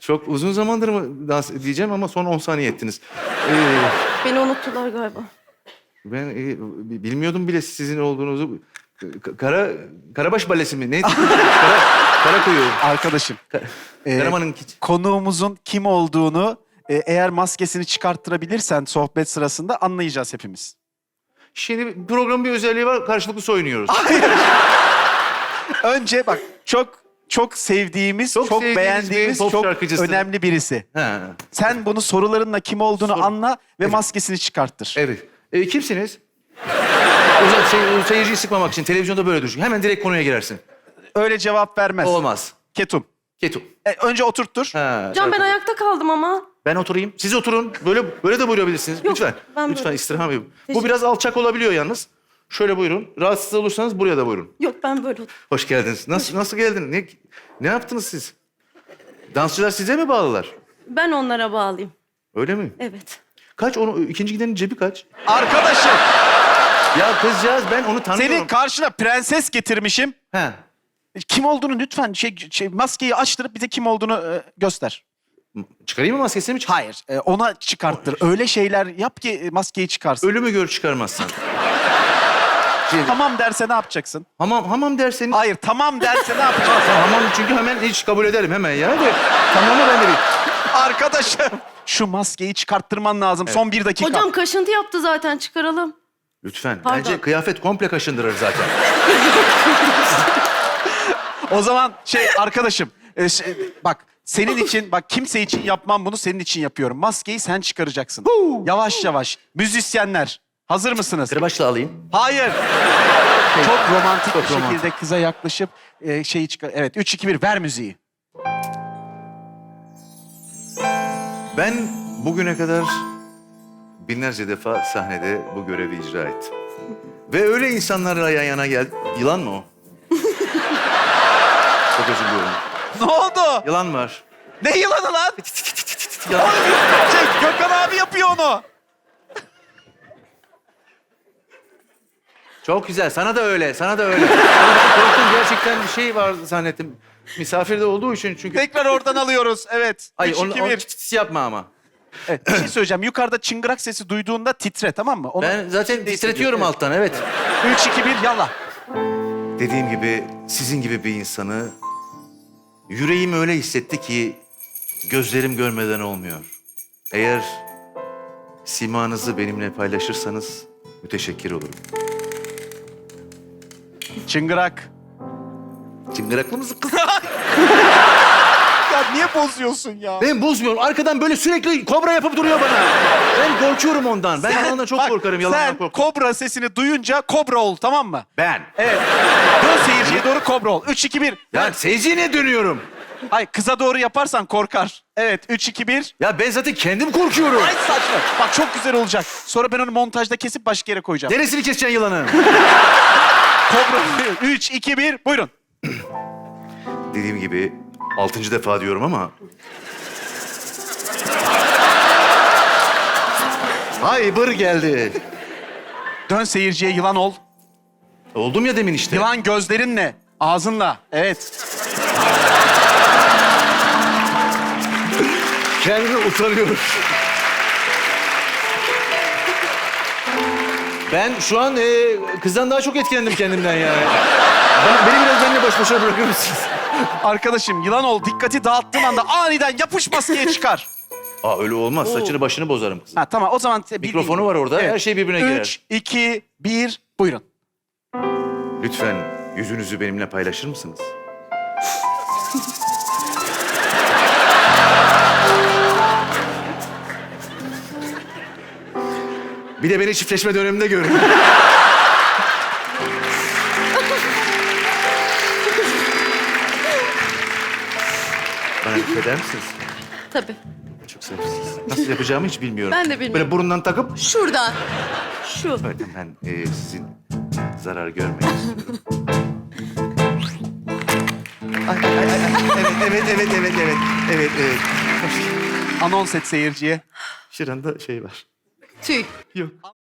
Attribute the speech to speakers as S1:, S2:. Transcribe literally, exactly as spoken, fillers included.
S1: Çok uzun zamandır mı dans diyeceğim ama son on saniye ettiniz. Ee,
S2: Beni unuttular galiba.
S1: ben e, bilmiyordum bile sizin olduğunuzu. Ka- Kara Karabaş Balesi mi? Neydi? Kara, Karakuyu.
S3: Arkadaşım. e,
S1: Karaman'ın
S3: konuğumuzun kim olduğunu e, eğer maskesini çıkarttırabilirsen sohbet sırasında anlayacağız hepimiz.
S1: Şimdi programın bir özelliği var. Karşılıklı soyunuyoruz.
S3: Önce bak çok çok sevdiğimiz,
S1: Çok
S3: çok,
S1: sevdiğimiz
S3: beğendiğimiz,
S1: bir pop
S3: çok
S1: şarkıcısı.
S3: önemli birisi.
S1: Ha.
S3: Sen bunu sorularınla kim olduğunu
S1: Sor.
S3: anla ve
S1: Evet.
S3: maskesini çıkarttır.
S1: Evet. E, kimsiniz? O zaman şey, seyirciyi sıkmamak için televizyonda böyle düşün. Hemen direkt konuya girersin.
S3: Öyle cevap vermez.
S1: Olmaz.
S3: Ketum.
S1: Ketum.
S3: E, önce oturttur.
S1: Ha,
S2: Can ben
S1: şarkı.
S2: ayakta kaldım ama.
S1: Ben oturayım. Siz oturun. Böyle böyle de buyurabilirsiniz.
S2: Yok,
S1: Lütfen.
S2: ben
S1: Lütfen
S2: böyle-
S1: istirham edin. Bu
S2: Teşekkür-
S1: biraz alçak olabiliyor yalnız. Şöyle buyurun. Rahatsız olursanız buraya da buyurun.
S2: Yok ben böyle
S1: Hoş geldiniz. Nasıl nasıl geldin? Ne ne yaptınız siz? Dansçılar size mi bağlılar?
S2: Ben onlara bağlıyım.
S1: Öyle mi?
S2: Evet.
S1: Kaç onu ikinci gidenin cebi kaç?
S3: Arkadaşım,
S1: Ya kızcağız ben onu tanıyorum.
S3: senin karşına prenses getirmişim.
S1: He.
S3: Kim olduğunu lütfen şey, şey maskeyi açtırıp bize kim olduğunu e, göster.
S1: Çıkarayım mı maskesini mi? Çık-
S3: Hayır, e, ona çıkarttır. Öyle şeyler yap ki e, maskeyi çıkarsın.
S1: Ölümü gör çıkarmazsan.
S3: Tamam derse ne yapacaksın?
S1: Hamam hamam derseniz.
S3: Hayır, tamam derse ne yapacaksın?
S1: Tamam, hamam çünkü hemen hiç kabul ederim hemen ya. De, tamamı ben de bir.
S3: Arkadaşım, şu maskeyi çıkarttırman lazım. Son bir dakika.
S2: Hocam kaşıntı yaptı zaten çıkaralım.
S1: Lütfen.
S2: Pardon.
S1: Bence kıyafet komple kaşındırır zaten.
S3: O zaman şey arkadaşım, e, şey, bak senin için, bak kimse için yapmam bunu, senin için yapıyorum. Maskeyi sen çıkaracaksın. Yavaş yavaş. Müzisyenler, hazır mısınız?
S1: Kırbaçla alayım.
S3: Hayır. Çok romantik
S1: Çok
S3: bir şekilde
S1: romantik.
S3: kıza yaklaşıp e, şeyi çıkar. Evet, üç, iki, bir ver müziği.
S1: Ben bugüne kadar binlerce defa sahnede bu görevi icra ettim. Ve öyle insanlarla yan yana gel... Yılan mı o? Çok özür diliyorum.
S3: Ne oldu?
S1: Yılan var.
S3: Ne yılanı lan?
S1: Yılan.
S3: Şey, Gökhan abi yapıyor onu.
S1: Çok güzel. Sana da öyle. Sana da öyle. Ama ben korktum. Gerçekten bir şey var zannettim. Misafirde olduğu için çünkü...
S3: Tekrar oradan alıyoruz. Evet.
S1: Hayır,
S3: Üç,
S1: onu,
S3: iki,
S1: onu
S3: bir.
S1: çıt çıt yapma ama.
S3: Evet, bir şey söyleyeceğim. Yukarıda çıngırak sesi duyduğunda titre, tamam mı? Onu
S1: Ben zaten
S3: şimdi
S1: titretiyorum
S3: hissediyorum.
S1: alttan, evet.
S3: Evet. Üç, iki, bir, yalla.
S1: Dediğim gibi sizin gibi bir insanı yüreğim öyle hissetti ki gözlerim görmeden olmuyor. Eğer simanızı benimle paylaşırsanız müteşekkir olurum.
S3: Çıngırak.
S1: Çıngıraklı mısın kız?
S3: Ya niye bozuyorsun ya?
S1: Ben bozmuyorum. Arkadan böyle sürekli kobra yapıp duruyor bana. Ben korkuyorum ondan. Ben yalandan çok
S3: Bak,
S1: korkarım. Yalandan
S3: sen
S1: korkarım.
S3: kobra sesini duyunca kobra ol, tamam mı?
S1: Ben.
S3: Evet. Dön seyirciye doğru kobra ol. Üç, iki, bir.
S1: Ya seyirciye dönüyorum.
S3: Ay kıza doğru yaparsan korkar. Evet, üç, iki, bir.
S1: Ya ben zaten kendim korkuyorum.
S3: Ay saçma. Bak çok güzel olacak. Sonra ben onu montajda kesip başka yere koyacağım.
S1: Neresini keseceksin yılanı?
S3: Kobra. Üç, iki, bir. Buyurun.
S1: Dediğim gibi altıncı defa diyorum ama... Hayır geldi.
S3: Dön seyirciye, yılan ol.
S1: Oldum ya demin işte.
S3: Yılan gözlerinle, ağzınla. Evet.
S1: Kendimi utanıyorum. Ben şu an e, kızdan daha çok etkilendim kendimden yani. Ben, beni biraz benimle baş başa bırakır mısınız?
S3: Arkadaşım yılan ol. Dikkati dağıttığın anda aniden yapış maskeye çıkar.
S1: Aa öyle olmaz. Saçını başını bozarım kızım.
S3: Ha tamam o zaman... bir-
S1: Mikrofonu var orada. Her şey birbirine girer.
S3: Üç, iki, bir. Buyurun.
S1: Lütfen yüzünüzü benimle paylaşır mısınız? Bir de beni çiftleşme döneminde görün. Bana eder misiniz?
S2: Tabii.
S1: Çok seversiniz. Nasıl yapacağımı hiç bilmiyorum.
S2: Ben de bilmiyorum.
S1: Böyle burundan takıp...
S2: Şuradan. Şu.
S1: Böyle ben e, sizin zarar görmeyin istiyorum. Ay, ay, ay, ay. Evet, evet, evet, evet, evet. Evet, evet.
S3: Anons et seyirciye.
S1: Şuranda şey var.
S2: Tüy.
S1: Yok.